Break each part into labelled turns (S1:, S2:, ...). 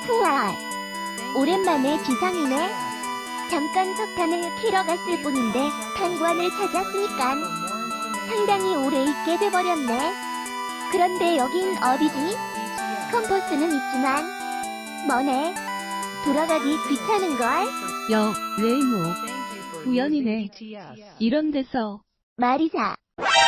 S1: 우와, 오랜만에 지상이네. 잠깐 석탄을 캐러 갔을 뿐인데 탄관을 찾았으니깐 상당히 오래 있게 돼버렸네. 그런데 여긴 어디지? 컴퍼스는 있지만 뭐네? 돌아가기 귀찮은걸?
S2: 레이모. 우연이네. 이런 데서.
S1: 마리사.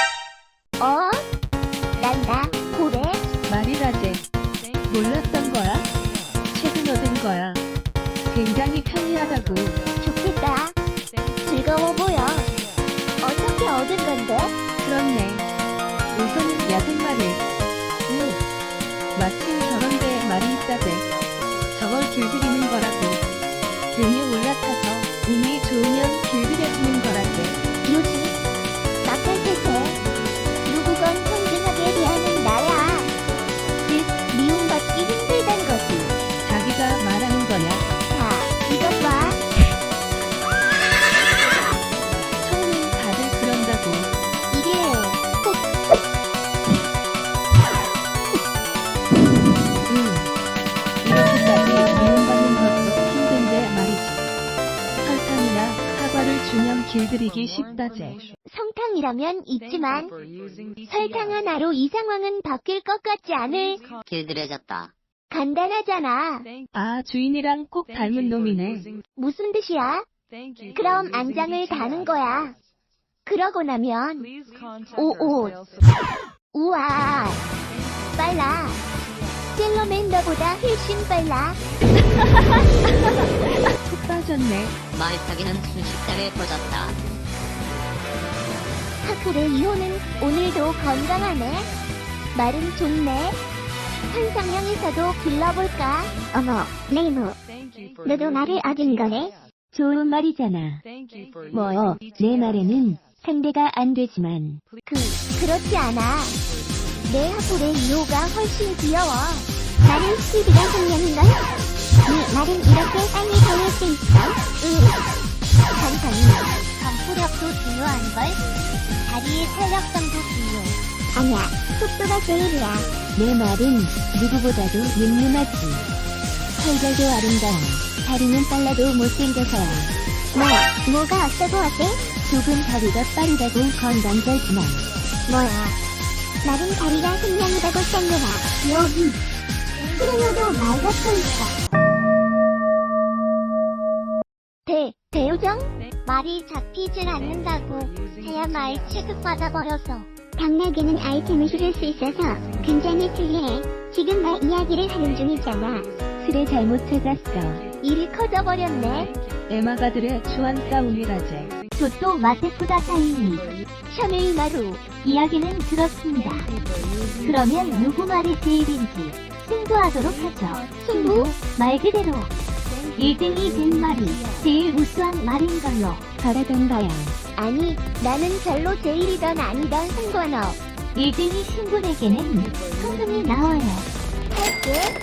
S1: 난다. 고래?
S2: 말이라제. 몰랐던 거야? 최근 얻은 거야. 굉장히 편리하다고.
S1: 좋겠다. 즐거워 보여. 어떻게 얻은 건데?
S2: 그렇네. 우선은 야생말을. 마침 저런 데에 말이 있다대. 저걸 길들이는 거라고. 등에 올라타서 운이 좋으면 길들여지는 거라대.
S1: 요시. 막할테세. 누구건 평등하게 대하는 나야. 즉, 미움받기 힘들단 거지.
S2: 자기가 말하는 거냐?
S1: 자, 이것 봐.
S2: 처음엔 다들 그런다고.
S1: 이게 꼭
S2: 이렇게까지 미움받는 것도 힘든데 말이지. 설탕이나 사과를 주면 길들이기 쉽다제.
S1: 성탕이라면 있지만 설탕 하나로 이 상황은 바뀔 것 같지 않을.
S3: 길들여졌다.
S1: 간단하잖아.
S2: 아, 주인이랑 꼭 닮은 놈이네.
S1: 무슨 뜻이야? 그럼 안장을 다는 거야. 그러고 나면 우와, 빨라. 셀러맨더보다 훨씬 빨라.
S2: 푹 빠졌네.
S3: 말 타기는 순식간에 퍼졌다.
S1: 하쿠의 이호는 오늘도 건강하네. 말은 좋네. 환상형에서도 길러볼까? 어머, 레이모. 너도 말을 얻은 거네?
S2: 좋은 말이잖아. 내 말에는 상대가 안 되지만.
S1: 그렇지 않아. 내 하쿠의 이호가 훨씬 귀여워. 나는 스피드가 생명인걸? 네 말은 이렇게 빨리 달릴 수 있어? 천천히. 점프력도 중요한걸? 다리의 탄력성도 중요해. 아니야, 속도가 제일이야.
S2: 내 말은 누구보다도 늠름하지. 털결도 아름다워. 다리는 빨라도 못생겨서야.
S1: 뭐가 어쩌고 어때?
S2: 조금 다리가 빠르다고 건강설지만.
S1: 뭐야? 나는 다리가 생명이라고 쌍려라. 여기. 그러려도 말 같고 있어. 대우정? 말이 잡히질 않는다고. 하야 말 취급받아버려서. 당나귀는 아이템을 실을 수 있어서 굉장히 특이해. 지금 말 이야기를 하는 중이잖아.
S2: 틀에 잘못 찾았어.
S1: 일이 커져버렸네.
S2: 에마가들의 주한 싸움이라제.
S1: 조또 마테쿠다 타이니. 샤메이마루. 이야기는 들었습니다. 그러면 누구 말이 제일인지 승부하도록 하죠. 승부? 말 그대로 1등이 된 말이 제일 우수한 말인 걸로.
S2: 바라던 바야.
S1: 아니, 나는 별로 제일이던 아니던 상관없.
S2: 1등이 신분에게는
S1: 성능이 나와요. 할게.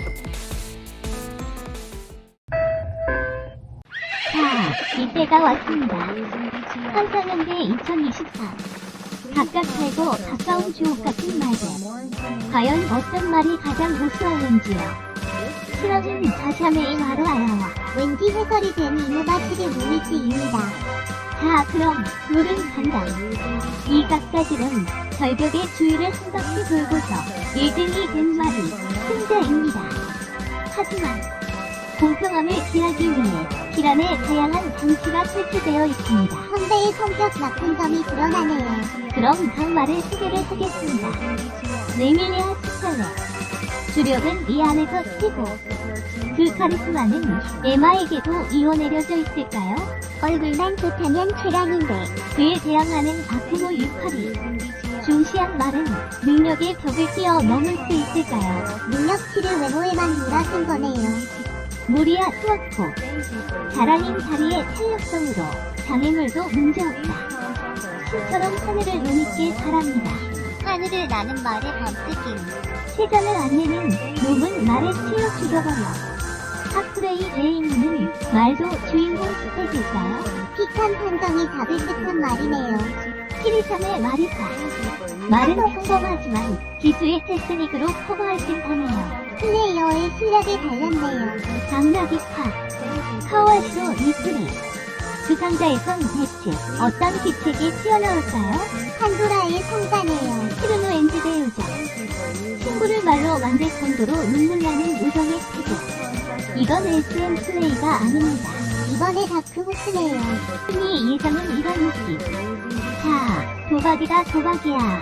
S1: 자, 이때가 왔습니다. 환상연대 2024. 각각 살고 가까운 주옥 같은 말들. 과연 어떤 말이 가장 우수할는지요. 실험은 자샤메인 하루 알아와. 왠지 해설이 된 이모바치의 무미치입니다. 자, 그럼 룰은 간다. 이 각가지는 절벽의 주위를 한 바퀴 돌고서 1등이 된 말이 승자입니다. 하지만 공평함을 기하기 위해 기란에 다양한 장치가 설치되어 있습니다. 선배의 성격 나쁜 점이 드러나네요. 그럼 각 말을 소개를 하겠습니다. 레밀리아 스칼렛. 주력은 이 안에서 치고 그 카리스마는 에마에게도 이어내려져 있을까요? 얼굴만 좋다면 최강인데. 그에 대항하는 아크모 유카리. 중시한 말은 능력의 벽을 뛰어넘을 수 있을까요? 능력치를 외모에만 몰아쓴 거네요. 무리아 투아코. 자랑인 다리의 탄력성으로 장애물도 문제없다. 신처럼 하늘을 눈있게 바랍니다. 하늘을 나는 말의 범뜨기. 시간을 안 내는 놈은 말에 치여 죽여버려. 하쿠레이 레이무는 말도 주인공 스펙일까요? pik한 판정이 잡을 듯한 말이네요. 키리삼의 마리사. 말은 평범하지만 기수의 테크닉으로 커버할 듯하네요. 플레이어의 실력이 달렸네요. 당나귀 파. 카와쇼 리플리. 그 상자에선 대체 어떤 기책이 튀어나올까요? 판도라의 상자네요. 히르노 엔지대 요정. 친구를 말로 만들 정도로 눈물 나는 우정의 태도. 이건 SM 플레이가 아닙니다. 이번에 다크호스네요. 흔히 예상은 이런 느낌. 자, 도박이다 도박이야.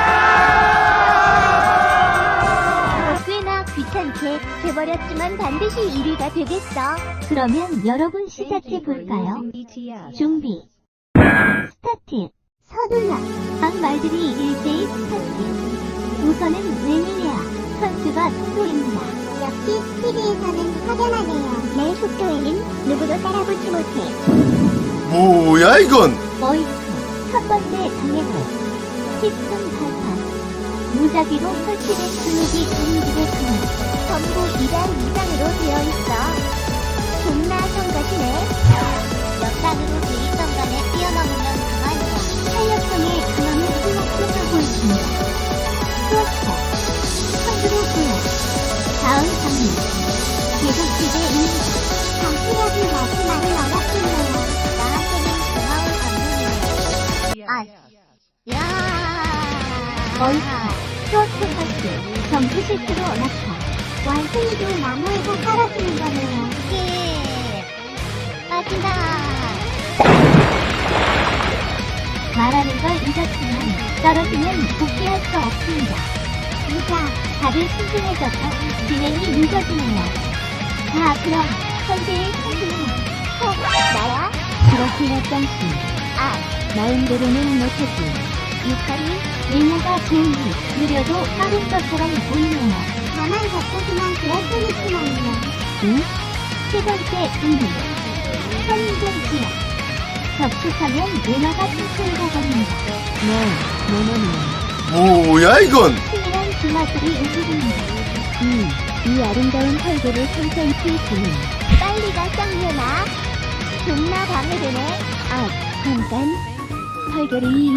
S1: 꽤나 귀찮게 돼버렸지만 반드시 1위가 되겠어. 그러면 여러분 시작해볼까요? 준비. 스타트. 서둘러. 각 말들이 일제히 스타트. 우선은 레미리아 선수가 속도입니다. 역시 TV에서는 확연하네요. 내 속도에는 누구도 따라붙지 못해.
S4: 뭐야 이건?
S1: 머이크 첫 번째 장애물 힙슨 발판 무작위로 설치된 블록이 우리들의 품 전부 2단 이상으로 되어 있어. 존나 성가시네. 몇 단으로 돼 있던 간에 뛰어넘으면 그만이야. 탄력성의 근원을 생각하고 있습니다. 수업자 선두로 보여. 다음 장면 계속기대입니다. 정치력이 마지막을 얻었군요. 나한테는 고마운 감동이네. 야. 얼카, 프로토파스, 점프 실수로 낙하. 완승이도 나무에서 떨어지는 거네요. 예. 빠진다. 말하는 걸 잊었지만 떨어지면 복귀할 수 없습니다. 이자, 다들 신중해져서 진행이 늦어지네요. 자, 그럼 현재의 승리는 나야? 그렇게 했던시. 마음대로는 못했지. 유카리, 리나가 좋으니 느려도 빠른 것처럼 보이네요. 다만 겉보기만 그럴 뿐이지만요. 응? 세 번째 승리. 선인종 지역. 접촉하면 리나가 춤추는 겁니다.
S4: 뭐야 이건?
S1: 승리란 주마술이 움직입니다. 이 아름다운 털개를 천천히 주는. 빨리 가, 쌍년아. 존나 방해되네. 잠깐. 털결이.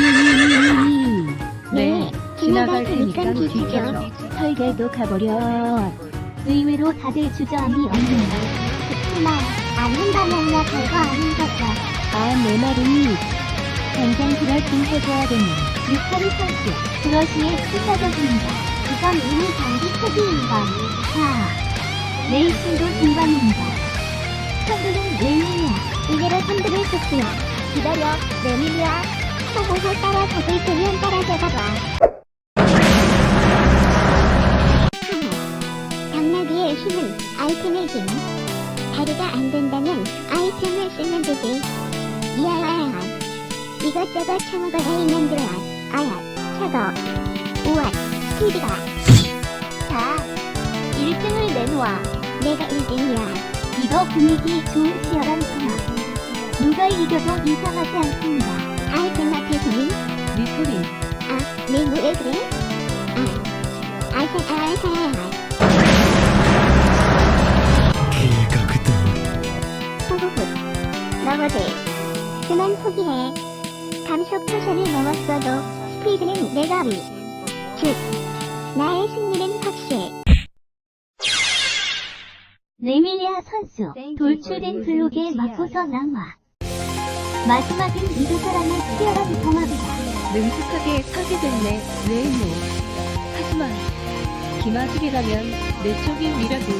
S2: 네, 지나갈 테니까
S1: 뒤져.
S2: 비켜줘.
S1: 털결도 가버려. 의외로 다들 주저함이 없네요. 그치만 않는다면야 별거 아닌 거죠. 내 말이 당장 그럴 좀 해줘야겠네. 유카리 선수, 브러쉬의 필사적입니다. 이건 이미 경기 초기인 건. 자, 레이싱도 중반입니다. 선두는 레미리아. 이대로 선두를 쏟고요. 기다려, 레미리아. 호호호 따라잡을 테면 따라잡아봐. 당나귀의 힘은 아이템의 힘. 다리가 안 된다면 아이템을 쓰면 되지. 이야야야. 이것저것 처먹어야 이년들아. 차거. 우와, 스피드가. 자, 1등을 내놓아. 내가 1등이야. 이거 분위기 좋은 치열한 상황. 누가 이겨도 이상하지 않습니다. 아이템 앞에서는
S2: 리플리.
S1: 내 노래 그래? 호호호. 넘어지. 그만 포기해. 감속 포션을 넘었어도 스피드는 내가 위. 즉, 나의 승리는 확실해. 레밀리아 선수, 돌출된 블록에 맞고서 남아. 마지막은 이 두 사람의 치열한 경합이다.
S2: 능숙하게 파괴됐네, 레이모. 하지만, 기마술이라면 내 쪽이 위라도.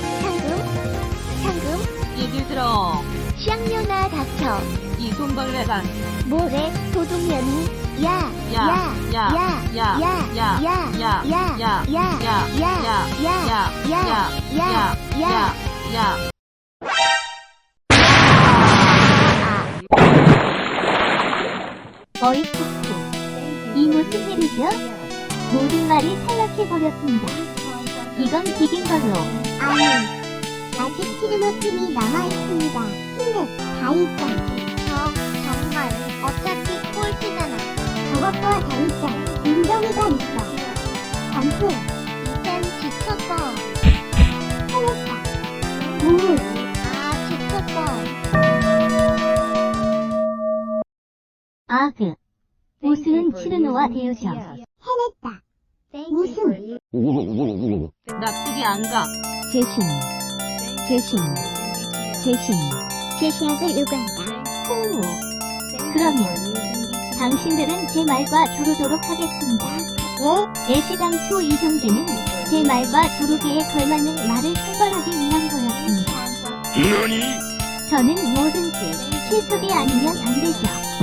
S1: 상금?
S3: 얘기 들어.
S1: 쌍년아 닥쳐.
S3: 이 손벌레가.
S1: 뭐래, 도둑년이? 야. 어이쿠쿠. 이 무슨 일이죠? 모든 말이 탈락해버렸습니다. 이건 비긴 걸로. 아직 티르노 팀이 남아있습니다. 힘내, 다 있자. 정말, 어차피 꼴찌잖아. 저것과 다르자, 인정이가 있어. 점프. 이젠 지쳤어. 살렸다. 지쳤어. 아그. 우승은 치르노와 데요셔.
S5: 해냈다. 우승.
S3: 나쁘지 않가.
S5: 제시약을 요구한다.
S1: 오. 그러면 당신들은 제 말과 조르도록 하겠습니다. 애시당초 이 경기는 제 말과 조르기에 걸맞는 말을 선발하기 위한 거였습니다. 저는 뭐든지 실속이 아니면 안 되죠.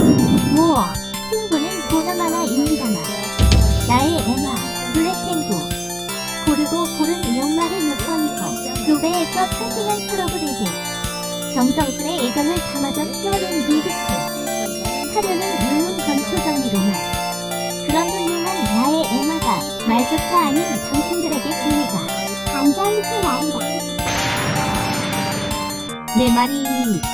S1: 승부는 보나마나입니다만 나의 에마, 블랙탱구 고르고 고른 역말을 몇 번이고 교배에서 탄생한 프로그레드 정성스레 애정을 담아던 뼈는 리그스 사료는 율문 건초정리로만 그런 훌륭한 나의 에마가 말조차 아닌 당신들에게 기회가
S5: 반전이 난다.
S1: 내 말이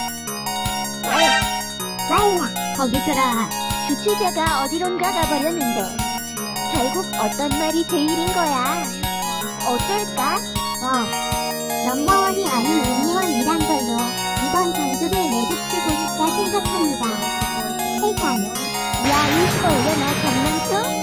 S5: 말라.
S1: 거기서라.
S5: 주최자가 어디론가 가버렸는데 결국 어떤 말이 제일인 거야. 어떨까? 넘버원이 아닌 유니원이란 걸로 이번 전주를 내비치고 싶다 생각합니다. 세상. 야, 이거 올려놔 장난쳐?